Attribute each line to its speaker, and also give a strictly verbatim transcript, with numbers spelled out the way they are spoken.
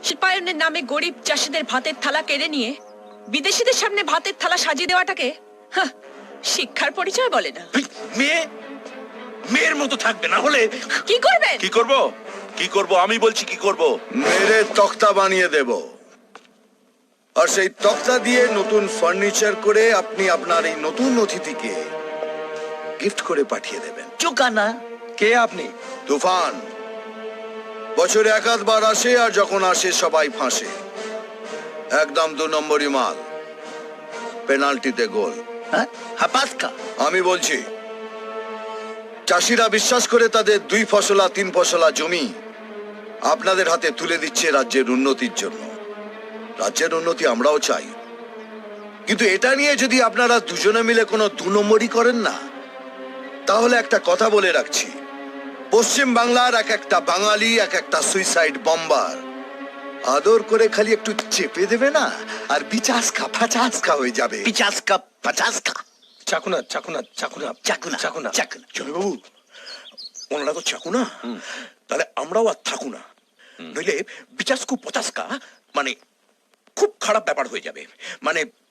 Speaker 1: শিল্পায়নের নামে গরিব চাষিদের ভাতের থালা কেড়ে নিয়ে বিদেশিদের সামনে ভাতের থালা সাজিয়ে দেওয়াটাকে হাহ, শিক্ষার পরিচয় বলে না।
Speaker 2: মেয়ে মেয়ের মতো থাকবে, না হলে
Speaker 1: কি করবেন?
Speaker 3: কি করব কি করব আমি বলছি কি করব।
Speaker 4: মেরে তক্তা বানিয়ে দেব, আর সেই তক্তা দিয়ে নতুন ফার্নিচার করে আপনি আপনার এই নতুন অতিথিকে গিফট করে পাঠিয়ে দেবেন।
Speaker 2: চোকানা কে আপনি?
Speaker 4: তুফান বছরে একাধবার আসে, আর যখন আসে সবাই ফাঁসে। একদম দু নম্বরই মাল, পেনাল্টিতে গোল।
Speaker 2: হ্যাঁ, হাপাসকা।
Speaker 4: আমি বলছি, চাষিরা বিশ্বাস করে তাদের দুই ফসলা তিন ফসলা জমি আপনাদের হাতে তুলে দিচ্ছে রাজ্যের উন্নতির জন্য। রাজ্যের উন্নতি আমরাও চাই, কিন্তু এটা নিয়ে যদি আপনারা দুজনে মিলে কোনো দু নম্বরই করেন না, তাহলে একটা কথা বলে রাখছি, পশ্চিম বাংলার এক একটা বাঙালি এক একটা সুইসাইড বম্বার আদর করে খালি একটু চেপে দেবে না, আর বিচাসকা ফাচাসকা হয়ে যাবে।
Speaker 2: পিচাসকা পাচাসকা।
Speaker 5: চাকুনা চাকুনা চাকুনা
Speaker 2: চাকুনা
Speaker 5: চাকুনা
Speaker 2: চাকুনা।
Speaker 5: জমিবাবু, ওনারা তো চাকুনা, তাহলে আমরাও আর থাকু না, নইলে বিচাসকু পচাসকা মানে খুব খারাপ ব্যাপার হয়ে যাবে। মানে